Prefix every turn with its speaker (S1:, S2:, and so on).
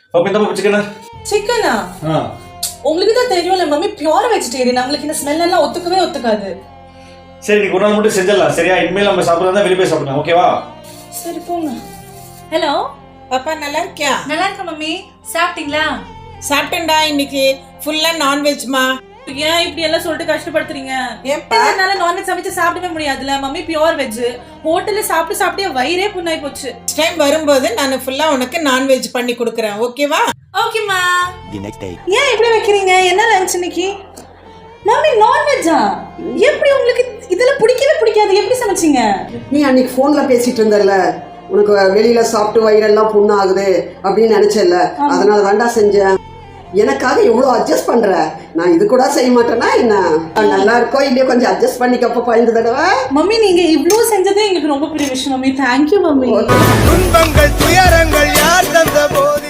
S1: பாப்பா இந்த பாப்பா சிக்கனா
S2: சிக்கனா உங்களுக்கு தான் தெரியும்ல மம்மி பியூர் வெஜிடேரியன். அவங்களுக்கு இந்த ஸ்மெல் எல்லாம் ஒத்துக்காது.
S1: சரி நீ ஒரு நாள் மட்டும் செஞ்சிடலாம் சரியா? இனிமேல் நம்ம சாப்பிட்றதா வெளியே போய் சாப்பிடலாம் ஓகேவா?
S2: சரி போங்க.
S3: ஹலோ
S4: பாப்பா நல்லா இருக்கியா?
S3: நல்லா இருக்க மம்மி. சாப்பிட்டீங்களா?
S4: சாப்பிட்டேன்டா. இன்னைக்கு ஃபுல்லா நான்வெஜ்மா.
S2: ஏன் இப்படி எல்லாம் சொல்லிட்டு கஷ்டப்படுத்துறீங்க?
S4: ஏன்பா?
S2: என்னால நான்வெஜ் சமைச்சு சாப்பிடவே முடியாதுல மம்மி. Pure veg. ஹோட்டல்ல சாப்பிட்டு வயிறே புண்ணாய் போச்சு.
S4: நெக்ஸ்ட் டைம் வரும்போது நான் ஃபுல்லா உனக்கு நான்வெஜ் பண்ணி கொடுக்குறேன் ஓகேவா?
S3: ஓகேமா.
S5: The next day.
S2: ஏன் இப்படி வைக்கிறீங்க? என்ன லஞ்ச் இன்னைக்கு? மம்மி நான்வெஜ்ஜா? எப்படி உங்களுக்கு இதெல்லாம் பிடிக்காது? எப்படி சமைச்சீங்க?
S6: நீ அன்னைக்கு ஃபோன்ல பேசிட்டு இருந்தல, உனக்கு வெளியில சாப்பிட்டு வயிறெல்லாம் புண்ணு ஆகுது அப்படின்னு நினைச்சல, அதனால தாண்டா செஞ்சேன். எனக்காக எவ்வளோ அட்ஜஸ்ட் பண்ற, நான் இது கூட செய்ய மாட்டேன்னா என்ன? நல்லா இருக்கோ இல்லையோ கொஞ்சம் அட்ஜஸ்ட் பண்ணிக்கப்ப இந்த தடவை.
S2: மம்மி நீங்க இவ்ளோ செஞ்சதே எங்களுக்கு ரொம்ப பெரிய விஷயம் மம்மி. Thank you mummy.
S7: துன்பங்கள் துயரங்கள் யார் தந்த போது